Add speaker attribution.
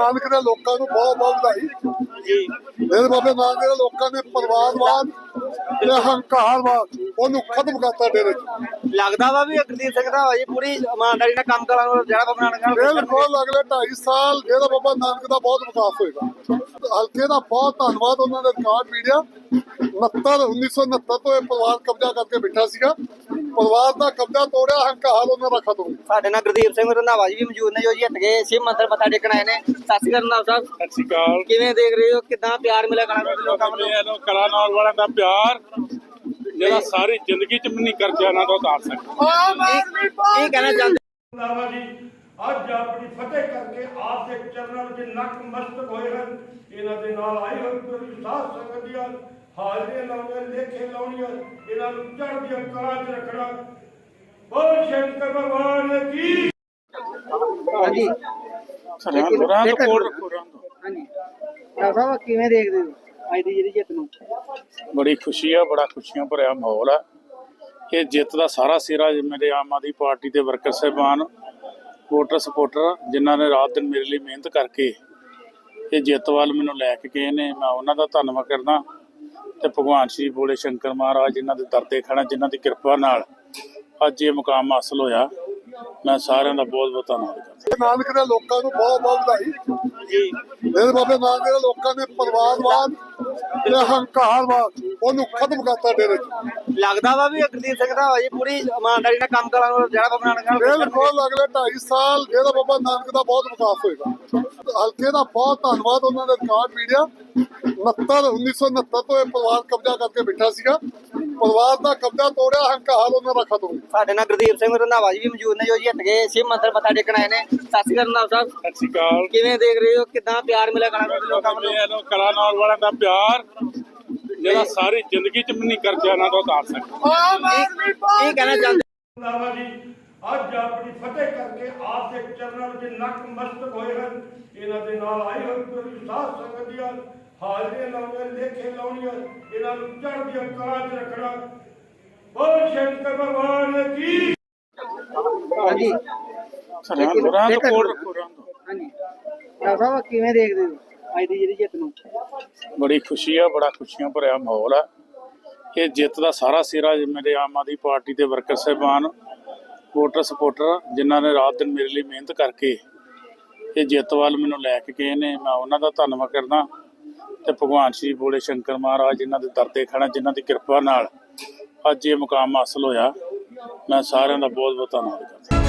Speaker 1: ਨਾਨਕ ਦੇ ਲੋਕਾਂ ਨੂੰ ਬਹੁਤ ਬਹੁਤ ਵਧਾਈ ਜੀ। ਮੇਰੇ ਬਾਬੇ ਨਾਨਕ ਦੇ ਲੋਕਾਂ ਨੇ ਪਰਿਵਾਰਵਾਦ ਤੇ ਹੰਕਾਰਵਾਦ ਉਹਨੂੰ ਖਤਮ ਕਰਤਾ ਡੇਰੇ ਚ।
Speaker 2: ਲੱਗਦਾ ਵਾ ਵੀ ਗੁਰਦੀਪ ਸਿੰਘ ਦਾ ਜੀ ਪੂਰੀ ਇਮਾਨਦਾਰੀ ਨਾਲ ਕੰਮ ਕਰਾਂਗੇ ਜਿਹੜਾ ਬਾਬਾ ਨਾਨਕ
Speaker 1: ਬਿਲਕੁਲ ਅਗਲੇ 2.5 ਸਾਲ ਜਿਹੜਾ ਬਾਬਾ ਨਾਨਕ ਦਾ ਬਹੁਤ ਵਿਕਾਸ ਹੋਏਗਾ। ਹਲਕੇ ਦਾ ਬਹੁਤ ਧੰਨਵਾਦ ਉਹਨਾਂ ਦੇ ਰਿਕਾਰਡ ਮੀਡੀਆ 1969 ਤੋਂ ਇਹ ਪਰਿਵਾਰ ਕਬਜ਼ਾ ਕਰਕੇ ਬੈਠਾ ਸੀਗਾ। ਪਰਿਵਾਰ ਦਾ ਕਬਜ਼ਾ ਤੋੜਿਆ, ਹੰਕਾਰ ਉਹਨਾਂ ਦਾ ਖਤਮ।
Speaker 2: ਸਾਡੇ ਨਾਲ ਗੁਰਦੀਪ ਸਿੰਘ ਰੰਧਾਵਾ ਜੀ ਵੀ ਮੌਜੂਦ ਨੇ ਜੋ ਜਿੱਤ ਗਏ ਸ਼ਿਵ ਮੰਦਿਰ ਮੱਥਾ ਟੇਕਣ ਆਏ ਨੇ। ਸਤਿ ਸ਼੍ਰੀ ਅਕਾਲ ਰੰਧਾਵਾ ਸਾਹਿਬ।
Speaker 3: ਸਤਿ ਸ਼੍ਰੀ ਅਕਾਲ।
Speaker 2: ਕਿਵੇਂ ਦੇਖ ਰਹੇ ਹੋ, ਕਿੱਦਾਂ ਪਿਆਰ ਮਿਲਿਆ ਕਲਾਕਾਰ ਦੇ ਲੋਕਾਂ ਨੂੰ?
Speaker 3: ਕਲਾਕਾਰ ਵਾਲਿਆਂ ਦਾ ਪਿਆਰ ਜਿਹੜਾ ਸਾਰੀ ਜ਼ਿੰਦਗੀ ਚ ਵੀ ਨਹੀਂ ਕਰਜਾ ਇਹਨਾਂ ਤੋਂ ਉਤਾਰ ਸਕਦਾ।
Speaker 2: ਕੀ ਕਹਿਣਾ ਚਾਹੁੰਦੇ
Speaker 4: ਜੀ ਅੱਜ ਆਪਣੀ ਫਤਿਹ ਕਰਕੇ ਆਪ ਦੇ ਚਰਨਾਂ ਵਿੱਚ ਨਤਮਸਤਕ ਹੋਏ ਹਨ। ਇਹਨਾਂ ਦੇ ਨਾਲ ਆਈ ਹੋਈ ਪੂਰੀ ਸਾਧ ਸੰਗਤ ਦੀਆਂ ਹਾਜ਼ਰੀਆਂ ਲਾਉਣੀਆਂ, ਲੇਖੇ ਲਾਉਣੀਆਂ, ਇਹਨਾਂ ਨੂੰ ਚੜ੍ਹਦੀਆਂ ਕਲਾਂ 'ਚ ਰੱਖਣਾ। ਬੋਲ ਸ਼ੰਕਰ ਭਗਵਾਨ ਕੀ।
Speaker 2: ਹਾਂਜੀ ਸਾਹਿਬ ਕਿਵੇਂ ਦੇਖਦੇ ਹੋ ਅੱਜ ਦੀ ਜਿਹੜੀ ਜਿੱਤ ਨੂੰ?
Speaker 3: ਬੜੀ ਖੁਸ਼ੀ ਆ, ਬੜਾ ਖੁਸ਼ੀਆਂ ਭਰਿਆ ਮਾਹੌਲ ਆ। ਇਹ ਜਿੱਤ ਦਾ ਸਾਰਾ ਸਿਰਾ ਮੇਰੇ ਆਮ ਆਦਮੀ ਪਾਰਟੀ ਦੇ ਵਰਕਰ ਸਾਹਿਬਾਨ, ਵੋਟਰ ਸਪੋਰਟਰ ਜਿਨ੍ਹਾਂ ਨੇ ਰਾਤ ਦਿਨ ਮੇਰੇ ਲਈ ਮਿਹਨਤ ਕਰਕੇ ਇਹ ਜਿੱਤ ਵੱਲ ਮੈਨੂੰ ਲੈ ਕੇ ਗਏ ਨੇ। ਮੈਂ ਉਹਨਾਂ ਦਾ ਧੰਨਵਾਦ ਕਰਦਾ ਤੇ ਭਗਵਾਨ ਸ਼੍ਰੀ ਭੋਲੇ ਸ਼ੰਕਰ ਮਹਾਰਾਜ ਜਿਨ੍ਹਾਂ ਦੇ ਦਰ ਤੇ ਖੜਾ, ਜਿਨ੍ਹਾਂ ਦੀ ਕਿਰਪਾ ਨਾਲ ਅੱਜ ਇਹ ਮੁਕਾਮ ਹਾਸਲ ਹੋਇਆ। ਮੈਂ ਸਾਰਿਆਂ ਦਾ ਬਹੁਤ ਬਹੁਤ ਧੰਨਵਾਦ ਕਰਦਾ।
Speaker 1: ਨਾਨਕ ਦੇ ਲੋਕਾਂ ਨੂੰ ਬਹੁਤ ਬਹੁਤ ਵਧਾਈ ਜੀ। ਮੇਰੇ ਬਾਬੇ ਨਾਨਕ ਦੇ ਲੋਕਾਂ ਨੇ ਪਰਿਵਾਰਵਾਦ ਤੇ ਹੰਕਾਰਵਾਦ ਉਹਨੂੰ ਖਤਮ ਕਰਤਾ ਡੇਰੇ ਚ।
Speaker 2: ਲੱਗਦਾ ਵਾ ਵੀ ਗੁਰਦੀਪ ਸਿੰਘ ਦਾ ਜੀ ਪੂਰੀ ਇਮਾਨਦਾਰੀ ਨਾਲ ਕੰਮ ਕਰਾਂਗੇ ਜਿਹੜਾ ਬਾਬਾ ਨਾਨਕ
Speaker 1: ਬਿਲਕੁਲ ਅਗਲੇ 2.5 ਸਾਲ ਜਿਹੜਾ ਬਾਬਾ ਨਾਨਕ ਦਾ ਬਹੁਤ ਵਿਕਾਸ ਹੋਏਗਾ। ਹਲਕੇ ਦਾ ਬਹੁਤ ਧੰਨਵਾਦ ਉਹਨਾਂ ਦੇ ਰਿਕਾਰਡ ਮੀਡੀਆ 1969 ਤੋਂ ਇਹ ਪਰਿਵਾਰ ਕਬਜ਼ਾ ਕਰਕੇ ਬੈਠਾ ਸੀਗਾ। ਪਰਿਵਾਰ ਦਾ ਕਬਜ਼ਾ ਤੋੜਿਆ, ਹੰਕਾਰ ਉਹਨਾਂ ਦਾ ਖਤਮ।
Speaker 2: ਸਾਡੇ ਨਾਲ ਗੁਰਦੀਪ ਸਿੰਘ ਰੰਧਾਵਾ ਜੀ ਵੀ ਮੌਜੂਦ ਨੇ ਜੋ ਜਿੱਤ ਗਏ ਸ਼ਿਵ ਮੰਦਿਰ ਮੱਥਾ ਟੇਕਣ ਆਏ ਨੇ। ਸਤਿ ਸ਼੍ਰੀ ਅਕਾਲ ਰੰਧਾਵਾ ਸਾਹਿਬ।
Speaker 3: ਸਤਿ ਸ਼੍ਰੀ ਅਕਾਲ।
Speaker 2: ਕਿਵੇਂ ਦੇਖ ਰਹੇ ਹੋ, ਕਿੱਦਾਂ ਪਿਆਰ ਮਿਲਿਆ ਕਲਾਕਾਰ ਦੇ ਲੋਕਾਂ ਨੂੰ?
Speaker 3: ਕਲਾਕਾਰ ਵਾਲਿਆਂ ਦਾ ਪਿਆਰ ਜਿਹੜਾ ਸਾਰੀ ਜ਼ਿੰਦਗੀ ਚ ਵੀ ਨਹੀਂ ਕਰਜਾ ਇਹਨਾਂ ਤੋਂ ਉਤਾਰ ਸਕਦਾ।
Speaker 2: ਕੀ ਕਹਿਣਾ ਚਾਹੁੰਦੇ
Speaker 4: ਜੀ ਅੱਜ ਆਪਣੀ ਫਤਿਹ ਕਰਕੇ ਆਪ ਦੇ ਚਰਨਾਂ ਵਿੱਚ ਨਤਮਸਤਕ ਹੋਏ ਹਨ। ਇਹਨਾਂ ਦੇ ਨਾਲ ਆਈ ਹੋਈ ਪੂਰੀ ਸਾਧ ਸੰਗਤ ਦੀਆਂ ਹਾਜ਼ਰੀਆਂ ਲਾਉਣੀਆਂ, ਲੇਖੇ ਲਾਉਣੀਆਂ, ਇਹਨਾਂ ਨੂੰ ਚੜ੍ਹਦੀਆਂ ਕਲਾਂ 'ਚ ਰੱਖਣਾ। ਬੋਲ ਸ਼ੰਕਰ ਭਗਵਾਨ ਕੀ।
Speaker 2: ਹਾਂਜੀ ਸਾਹਿਬ ਕਿਵੇਂ ਦੇਖਦੇ ਹੋ ਅੱਜ ਦੀ ਜਿਹੜੀ ਜਿੱਤ ਨੂੰ?
Speaker 3: ਬੜੀ ਖੁਸ਼ੀ ਆ, ਬੜਾ ਖੁਸ਼ੀਆਂ ਭਰਿਆ ਮਾਹੌਲ ਆ। ਇਹ ਜਿੱਤ ਦਾ ਸਾਰਾ ਸਿਰਾ ਮੇਰੇ ਆਮ ਆਦਮੀ ਪਾਰਟੀ ਦੇ ਵਰਕਰ ਸਾਹਿਬਾਨ, ਵੋਟਰ ਸਪੋਰਟਰ ਜਿਨ੍ਹਾਂ ਨੇ ਰਾਤ ਦਿਨ ਮੇਰੇ ਲਈ ਮਿਹਨਤ ਕਰਕੇ ਇਹ ਜਿੱਤ ਵੱਲ ਮੈਨੂੰ ਲੈ ਕੇ ਗਏ ਨੇ। ਮੈਂ ਉਹਨਾਂ ਦਾ ਧੰਨਵਾਦ ਕਰਦਾ ਤੇ ਭਗਵਾਨ ਸ਼੍ਰੀ ਭੋਲੇ ਸ਼ੰਕਰ ਮਹਾਰਾਜ ਜਿਨ੍ਹਾਂ ਦੇ ਦਰ ਤੇ ਖੜਾ, ਜਿਨ੍ਹਾਂ ਦੀ ਕਿਰਪਾ ਨਾਲ ਅੱਜ ਇਹ ਮੁਕਾਮ ਹਾਸਲ ਹੋਇਆ। ਮੈਂ ਸਾਰਿਆਂ ਦਾ ਬਹੁਤ ਬਹੁਤ ਧੰਨਵਾਦ ਕਰਦਾ।